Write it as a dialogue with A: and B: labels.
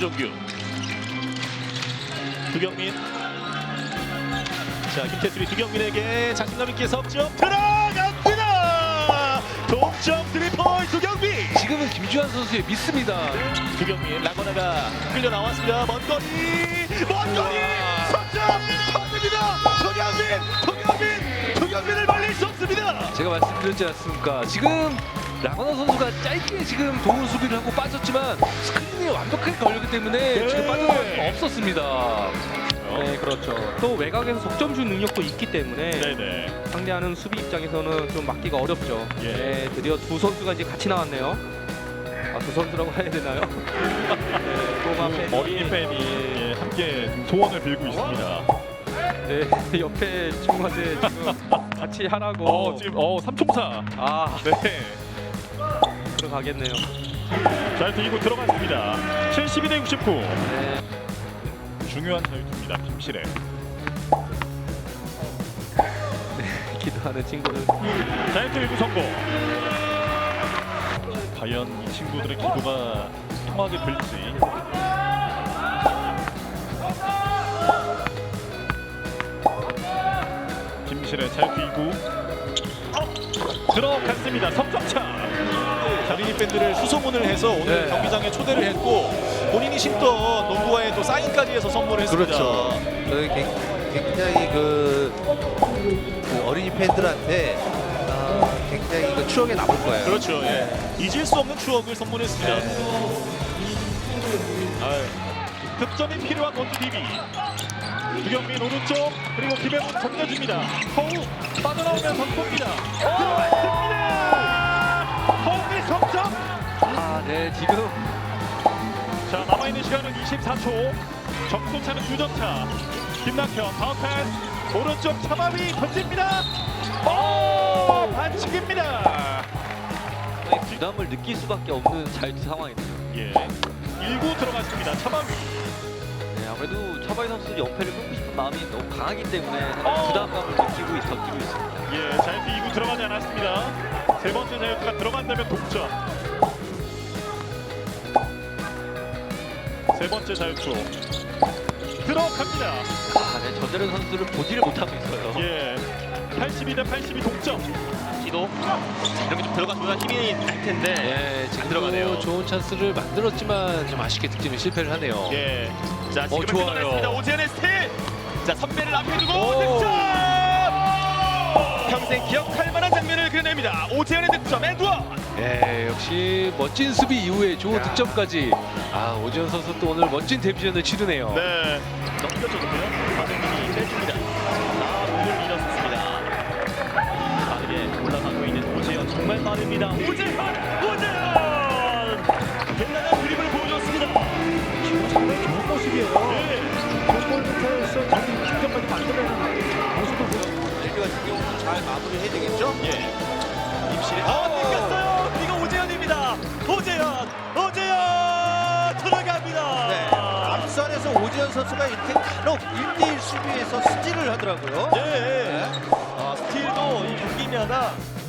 A: 김종규, 두경민. 자, 김태술이 두경민에게 자신감 있게 석점 들어갑니다. 동점 3포인트 두경민.
B: 지금은 김주환 선수의 미스입니다.
A: 두경민 라거나가 끌려 나왔습니다. 먼 거리 석점 터집니다. 두경민을 말릴 수 없습니다.
B: 제가 말씀드렸지 않습니까? 지금 라거나 선수가 짧게 지금 도루 수비를 하고 빠졌지만 스크린이 완벽하게 걸렸기 때문에 지금 빠져나갈 수가 없었습니다.
C: 네, 그렇죠. 또 외곽에서 속점슛 능력도 있기 때문에
A: 네네.
C: 상대하는 수비 입장에서는 좀 막기가 어렵죠.
A: 예.
C: 네, 드디어 두 선수가 이제 같이 나왔네요. 아, 두 선수라고 해야 되나요? 네, 꼬마 팬이
A: 어린이 팬이 함께 소원을 빌고 있습니다.
C: 네, 옆에 친구한테 지금 같이 하라고.
A: 지금 3총사.
C: 아,
A: 네.
C: 들어가겠네요.
A: 잘 들고 들어갔습니다. 72대 69.
C: 네.
A: 중요한 자유투입니다. 김실애.
C: 기도하는 친구는
A: 자유투 1구 성공. 과연 이 친구들의 기도가 통하게 될지. 김실애 자유투 2구 들어갔습니다. 석점차. 어린이 팬들을 수소문을 해서 오늘
B: 네.
A: 경기장에 초대를 했고 본인이 신던 농구화에 또 사인까지 해서 선물을 했습니다.
D: 그렇죠. 저희 굉장히 그 어린이 팬들한테 굉장히 그 추억에 남을 거예요.
A: 그렇죠. 예. 잊을 수 없는 추억을 선물했습니다. 아유, 득점이 필요한 원투 DB. 두경민 오른쪽 그리고 김혜문 던져줍니다. 허우 빠져나오면 선포입니다. 들어갔습니다. 허우의 석점.
B: 아, 네, 지금
A: 자, 남아있는 시간은 24초. 점수차는 2점 차. 김낙현 다운 패스 오른쪽 차바위 던집니다. 오, 반칙입니다.
B: 부담을 느낄 수밖에 없는 자유투 상황이네요.
A: 예. 1구 들어갔습니다. 차바위.
B: 네, 아무래도 차바이 선수 연패를 끊고 싶은 마음이 너무 강하기 때문에 부담감을 느끼고 있습니다.
A: 예, 자유투 2구 들어가지 않았습니다. 세 번째 자유투가 들어간다면 동점. 세 번째 자유투 들어갑니다.
B: 아, 네, 전대련 선수를 보지를 못하고 있어요.
A: 예, 82대 82 동점.
E: 기도 이렇게 좀 들어가면 힘이 날 텐데
B: 네, 지금
E: 들어가네요.
B: 좋은 찬스를 만들었지만 좀 아쉽게 득점에 실패를 하네요.
A: 예,
E: 자 지금
B: 좋아요.
E: 들어갔습니다. 오재현의 스틸. 자 선배를 앞에 두고
B: 오.
E: 득점. 평생 기억할 만한 장면을 그려냅니다. 오재현의 득점 에드원.
B: 네, 역시 멋진 수비 이후에 좋은 득점까지. 아, 오지현 선수 또 오늘 멋진 데뷔전을 치르네요.
A: 네,
E: 넘겨줬고요. 박영민이 빼줍니다. 몸을 밀었습니다. 빠르게 올라가고 있는 오재현 정말 빠릅니다. 오재현! 대단한 드리블을 보여줬습니다.
F: 정말 좋은 모습이에요. 골부터 해서 자기 득점까지 만들어내는 모습을 보여요.
D: LG 같은 경우는 잘 마무리해야 되겠죠?
E: 예. 임실이 뺏겼어요. 이거 오재현입니다. 오재현 들어갑니다.
D: 네. 앞선에서 오지현 선수가 이렇게 간혹 1대1 수비에서 스틸을 하더라고요.
E: 예. 스틸도 이 경기마다